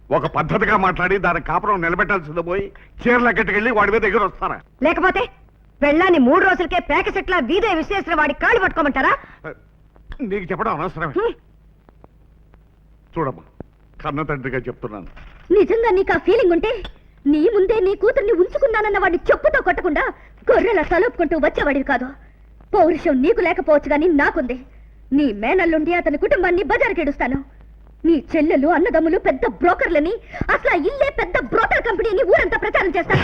ఒక పద్ధతిగా మాట్లాడి దాని కాపురం నిలబెట్టాల్సింది పోయి చీరల గట్టుకెళ్ళి వాడి మీద దగ్గర వస్తారా? లేకపోతే పెళ్ళాన్ని 3 రోజులకే పేక చెట్ల వీధే విశ్వేశ్వర వాడి కాళ్ళు పట్టుకోమంటారా? నీకు చెప్పడం అనవసరమే. చూడమ్మా, కన్న తండ్రిగా చెప్తున్నాను. నిజంగా నీకు ఆ ఫీలింగ్ ఉంటే నీ ముందే నీ కూతుర్ని ఉంచుకున్నానన్న వాడిని చెప్పుతో కొట్టకుండా గొర్రెల తలుపుకుంటూ వచ్చేవాడివి కాదు. పౌరుషం నీకు లేకపోవచ్చు గాని నాకుంది. నీ మేనల్లుండి అతని కుటుంబాన్ని బజారుకెడుస్తాను. నీ చెల్లెలు అన్నదమ్ములు పెద్ద బ్రోకర్లని, అసలు ఇల్లే పెద్ద బ్రోకర్ కంపెనీని ఊరంతా ప్రచారం చేస్తాను.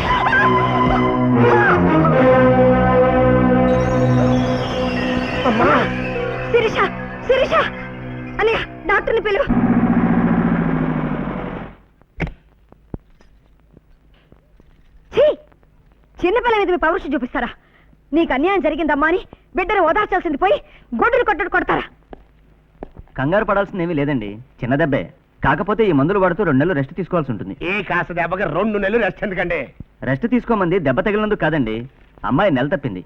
శిరీష, శిరీష అన్నయ్య, డాక్టర్ని పిలువు. చిన్నపిల్ల మీద మీ పౌరుషం చూపిస్తారా? నీకు అన్యాయం జరిగిందమ్మా అని బిడ్డను ఓదార్చాల్సింది పోయి గొడ్డులు కొట్టడు కొడతారా? కంగారు పడాల్సింది ఏమీ లేదండి, చిన్న దెబ్బే. కాకపోతే ఈ మందులు వాడుతూ 2 నెలలు రెస్ట్ తీసుకోవాల్సి ఉంటుంది. ఏ కాస్త దెబ్బకి 2 నెలలు రెస్ట్ ఎందుకండి? రెస్ట్ తీసుకోమంది దెబ్బ తగిలినందుకు కాదండి, అమ్మాయి నెల తప్పింది.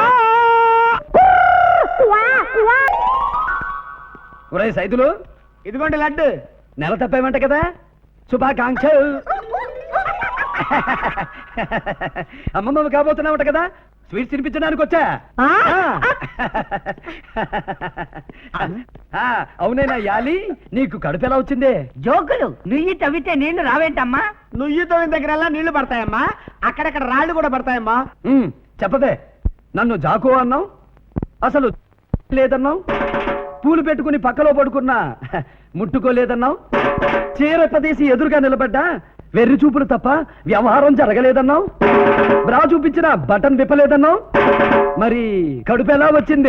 ఒరే సైదులు, ఇదిగోండి లడ్డు. నెల తప్పేమంట కదా, శుభాకాంక్ష. అమ్మమ్మ కాబోతున్నావుట కదా, స్వీట్స్ తినిపించడానికి వచ్చా. అవునేనా యాలి, నీకు కడుపు ఎలా వచ్చిందే? జోకులు నుయ్యి తవ్వితే నీళ్లు రావేంటమ్మా? నుయ్యి తవ్విన దగ్గర నీళ్లు పడతాయమ్మా, అక్కడక్కడ రాళ్లు కూడా పడతాయమ్మా. చెప్పదే, నన్ను జాకో అన్నావు, అసలు లేదన్నావు, పూలు పెట్టుకుని పక్కలో పడుకున్నా ముట్టుకోలేదన్నావు, చీరపదేసి ఎదురుగా నిలబడ్డా వెర్రి చూపులు తప్ప వ్యవహారం జరగలేదన్నావు, బ్రా చూపించిన బటన్ విప్పలేదన్నావు, మరి కడుపు ఎలా వచ్చింది?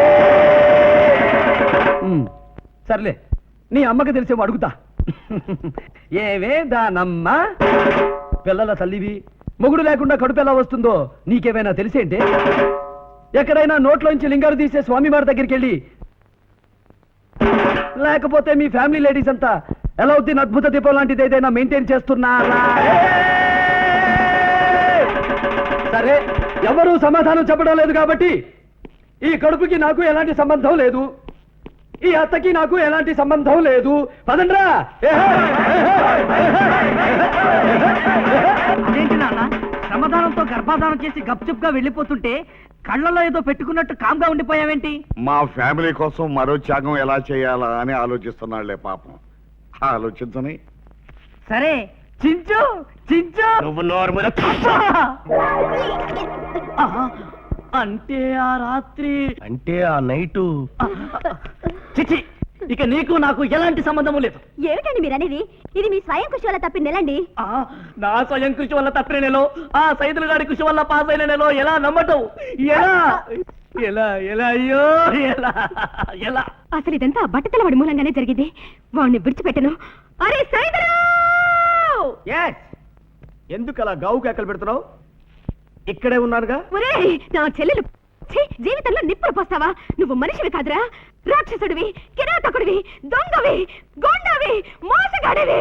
సర్లే, నీ అమ్మకి తెలిసేమో అడుగుతా. ఏవే దానమ్మ, పిల్లల తల్లివి, మొగుడు లేకుండా కడుపు ఎలా వస్తుందో నీకేమైనా తెలిసేంటే? ఎక్కడైనా నోట్లోంచి లింగాలు తీసే స్వామివారి దగ్గరికి వెళ్ళి, లేకపోతే మీ ఫ్యామిలీ లేడీస్ అంతా ఎలౌద్దీన్ అద్భుత దీపం లాంటిది ఏదైనా మెయింటైన్ చేస్తున్నారా? సరే, ఎవరూ సమాధానం చెప్పడం లేదు కాబట్టి ఈ కడుపుకి నాకు ఎలాంటి సంబంధం లేదు, ఈ అత్తకి నాకు ఎలాంటి సంబంధం లేదు. పదండ్రా. అదేంటి నాన్న, సమాధానంతో గర్భాధానం చేసి గప్చుప్గా వెళ్ళిపోతుంటే కళ్ళలో ఏదో పెట్టుకున్నట్టు కామ్గా ఉండిపోయావేంటి? మా ఫ్యామిలీ కోసం మరో త్యాగం ఎలా చేయాలా అని ఆలోచిస్తున్నాళ్లే పాపం. ఆలోచించని. సరే, చించు చించు. నువ్వు నోరు మీద. అంటే ఆ రాత్రి, అంటే ఆ నైటు. చిచి, ఇక నీకు నాకు ఎలాంటి సంబంధము లేదు. ఏమిటండి మీరనేది? ఇది మీ స్వయం కృషి వల్ల తప్పిన నెలండి. నా స్వయం కృషి వల్ల తప్పిన నెలో, ఆ సైదుల గారి కృషి వల్ల పాస్ అయిన నెలో ఎలా నమ్మటం? ఎలా ఎలా ఎలా అయ్యో ఎలా ఎలా? అసలు ఇదంతా బట్టతలవాడి మూలంగానే జరిగింది. వాడిని విడిచిపెట్టను. అరే సైదులు! ఎందుకు అలా గావు కేకలు పెడుతున్నావు? ఇక్కడే ఉన్నానుగా. ఒరేయ్, నా చెల్లెలు జీవితంలో నిప్పులు పోస్తావా? నువ్వు మనిషివి కాదురా, రాక్షసుడివి, కిరాతకుడివి, దొంగవి, గొండవి, మోసగాడివి.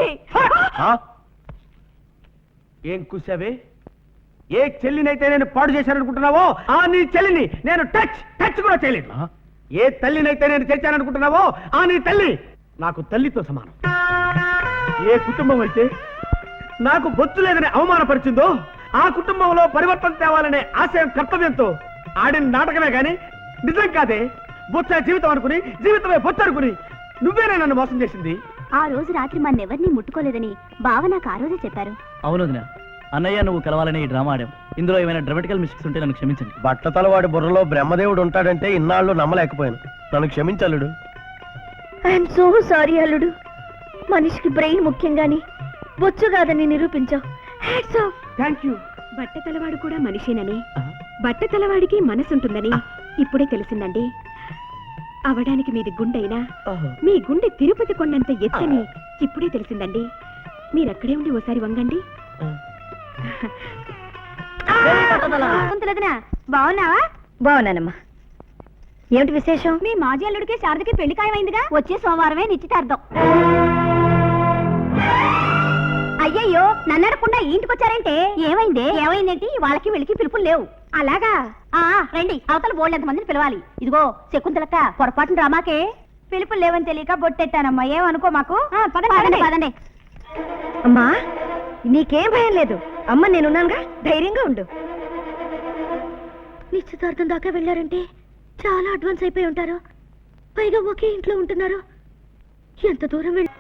ఏం కూసావే? ఏ చెల్లినైతే నేను పాడు చేశాననుకుంటున్నావో ఆ నీ చెల్లిని నేను టచ్ కూడా చేయలేదు. ఏ తల్లినైతే నేను చేశాననుకుంటున్నావో ఆ నీ తల్లి నాకు తల్లితో సమానం. ఏ కుటుంబం అయితే నాకు బొత్తు లేదని అవమానపరిచిందో ఆ కుటుంబంలో పరివర్తన తేవాలనే ఆశయం కర్తవ్యంతో ఆడిన నాటకమే గాని నిజం కాదే. బొచ్చ జీవితం అనుకుని, జీవితమే బొచ్చ అనుకుని నువ్వేనే నన్ను మోసం చేసింది. ఆ రోజు రాత్రి మన్నెవరిని ముట్టుకోలేదని బావ నాకు ఆ రోజే చెప్పారు. అవును వదినా, అన్నయ్య నువ్వు కలవాలని ఈ డ్రామా ఆడాం. ఇందులో ఏమైనా డ్రామాటికల్ మిస్టేక్స్ ఉంటే నన్ను క్షమించండి. బట్టతలవాడి బుర్రలో బ్రహ్మదేవుడు ఉంటాడంటే ఇన్నాళ్ళు నమ్మలేకపోయాను. నన్ను క్షమించలుడు. ఐఎమ్ సో సారీ అల్లుడు. మనిషికి బ్రెయిన్ ముఖ్యం గాని బొచ్చు కాదని నిరూపించావు. Hats off. Thank you. బట్టతలవాడు కూడా మనిషేనని, బట్టతలవాడికి మనసుంటుందని ఇప్పుడే తెలిసిందండి. అవడానికి మీది గుండైనా మీ గుండె తిరుపతి కొండంత ఎత్తని ఇప్పుడే తెలిసిందండి. మీరక్కడే ఉండి ఓసారి వంగండి. బాగున్నావా? బాగున్నానమ్మా. ఏమిటి విశేషం? మీ మాజీ అల్లుడికి శారదకి పెళ్లి ఖాయమైందిగా. వచ్చే సోమవారమే నిశ్చితార్థం. అయ్యయ్యో, నన్ను అడగకుండా ఇంటికొచ్చారంటే ఏమైంది? ఏమైందేంటి? వాళ్ళకి వీళ్ళకి పిలుపులు లేవు. అలాగా? రండి, అవతల బోల్డ్ ఎంత మందిని పిలవాలి. ఇదిగో శకుంతలక్క, పొరపాటున రామాకే. పిలుపులు లేవని తెలియక బొట్టెట్టానమ్మా, ఏమనుకో మాకు. పదండి పదండి. అమ్మా నీకేం భయం లేదు అమ్మ నేనున్నానుగా ధైర్యంగా ఉండు నిశ్చితార్థం దాకా వెళ్ళారంటే చాలా అడ్వాన్స్ అయిపోయి ఉంటారు పైగా ఒకే ఇంట్లో ఉంటున్నారు ఎంత దూరం వెళ్ళి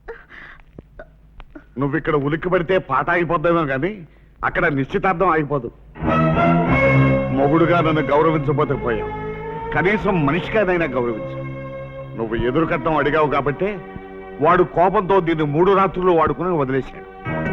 నువ్వు ఇక్కడ ఉలిక్కి పడితే పాట ఆగిపోద్దామో కానీ అక్కడ నిశ్చితార్థం ఆగిపోదు. మొగుడుగా నన్ను గౌరవించబోతే పోయావు, కనీసం మనిషిగానైనా గౌరవించు. నువ్వు ఎదురు కట్టం అడిగావు కాబట్టి వాడు కోపంతో దీన్ని 3 రాత్రులు వాడుకుని వదిలేశాడు.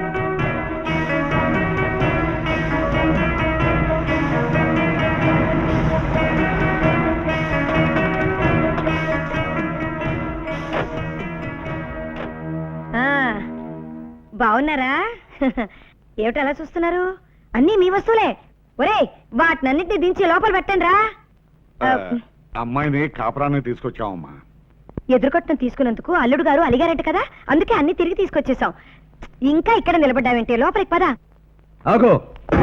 బాగున్నారా? ఏమిటి అలా చూస్తున్నారు? అన్నీ మీ వస్తువులే. ఒరేయ్ వాటినన్నిటిని దించి లోపల పెట్టండి రా. అమ్మాయిని కాపురాన్ని తీసుకొచ్చావమ్మా. ఎదురుకొట్టం తీసుకున్నందుకు అల్లుడు గారు అలిగారంట కదా, అందుకే అన్ని తిరిగి తీసుకొచ్చేసాం. ఇంకా ఇక్కడ నిలబడ్డావేంటి? లోపలికి పదా. ఆగో,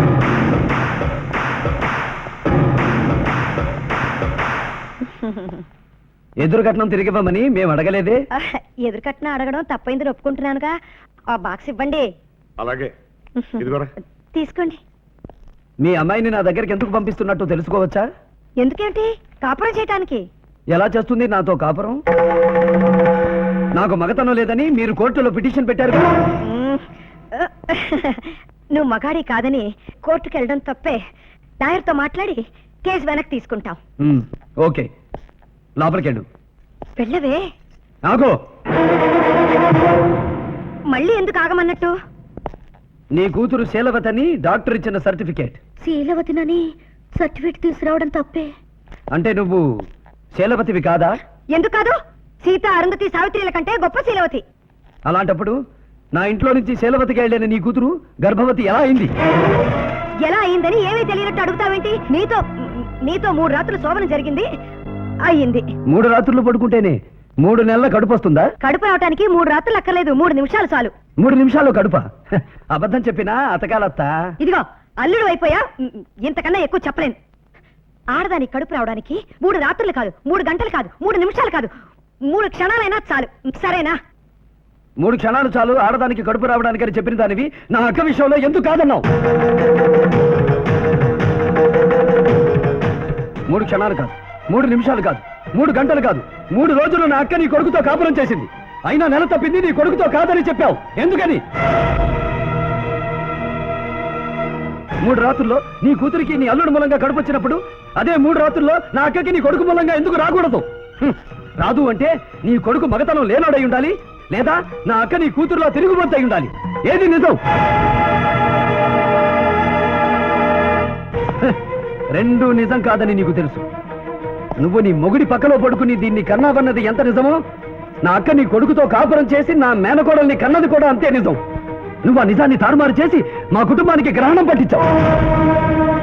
ఎదురు కట్నం తిరిగివ్వమని మేము అడగలేదే. ఎదురుకట్నం అడగడం తప్పైందని ఒప్పుకుంటున్నానుగా. ఆ బాక్స్ ఇవ్వండి. అలాగే ఇదిగోరా. తీసుకోండి. మీ అమ్మాయిని నా దగ్గరికి ఎందుకు పంపిస్తున్నట్టు తెలుసుకోవచ్చా? ఎందుకేంటి? కాపురం చేయటానికి. ఎలా చేస్తుంది నాతో కాపురం? నాకు మగతనం లేదని మీరు కోర్టులో పిటిషన్ పెట్టారు కదా. నువ్వు మగాడి కాదని కోర్టుకు వెళ్ళడం తప్పే. లాయర్తో మాట్లాడి కేసు వెనక్కి తీసుకుంటాం. ఓకే, లోపలికెళ్ళు. వెళ్ళవే. ఆగో, మళ్ళీ ఎందుకు ఆగమన్నట్టు? నీ కూతురు శీలవతని డాక్టర్ ఇచ్చిన సర్టిఫికేట్. శీలవతినని సర్టిఫికేట్ తీసుకురావడం తప్పే. అంటే నువ్వు శీలవతివి కాదా? ఎందుకు కాదు? సీత, అరుంధతి, సావిత్రిల కంటే గొప్ప శీలవతి. అలాంటప్పుడు నా ఇంట్లో నుంచి శీలవతికి వెళ్ళిన నీ కూతురు గర్భవతి ఎలా అయింది? ఎలా అయిందని ఏమీ తెలియనట్టు అడుగుతావేంటి? నీతో 3 రాత్రులు శోభనం జరిగింది, అయ్యింది. 3 రాత్రులు పడుకుంటేనే 3 నెలల కడుపు వస్తుందా? కడుపు అవటానికి 3 రాత్రులు అక్కర్లేదు, 3 నిమిషాలు చాలు. 3 నిమిషాల్లో కడుపా? అబద్ధం చెప్పినా అతకాలత్తా. ఇదిగో అల్లుడు అయిపోయా, ఇంతకన్నా ఎక్కువ చెప్పలేను. ఆడదానికి కడుపు రావడానికి 3 రాత్రులు కాదు, 3 గంటలు కాదు, 3 నిమిషాలు కాదు, 3 క్షణాలైనా చాలు. సరేనా? 3 క్షణాలు చాలు ఆడదానికి కడుపు రావడానికి అని చెప్పిన దానివి నా అక్క విషయంలో ఎందుకు కాదన్నావు? 3 క్షణాలు కాదు, 3 నిమిషాలు కాదు, 3 గంటలు కాదు, 3 రోజులు నా అక్క నీ కొడుకుతో కాపురం చేసింది. అయినా నెల తప్పింది నీ కొడుకుతో కాదని చెప్పావు. ఎందుకని? 3 రాత్రుల్లో నీ కూతురికి నీ అల్లుడు మూలంగా కడుపు వచ్చినప్పుడు అదే 3 రాత్రుల్లో నా అక్కకి నీ కొడుకు మూలంగా ఎందుకు రాకూడదు? రాదు అంటే నీ కొడుకు మగతనం లేనోడై ఉండాలి, లేదా నా అక్క నీ కూతురులో తిరుగుబోతై ఉండాలి. ఏది నిజం? రెండూ నిజం కాదని నీకు తెలుసు. నువ్వు నీ మొగుడి పక్కలో పడుకుని దీన్ని కన్నావన్నది ఎంత నిజమో, నా అక్క నీ కొడుకుతో కాపురం చేసి నా మేనకోడల్ని కన్నది కూడా అంతే నిజం. నువ్వు ఆ నిజాన్ని తారుమారు చేసి మా కుటుంబానికి గ్రహణం పట్టించావు.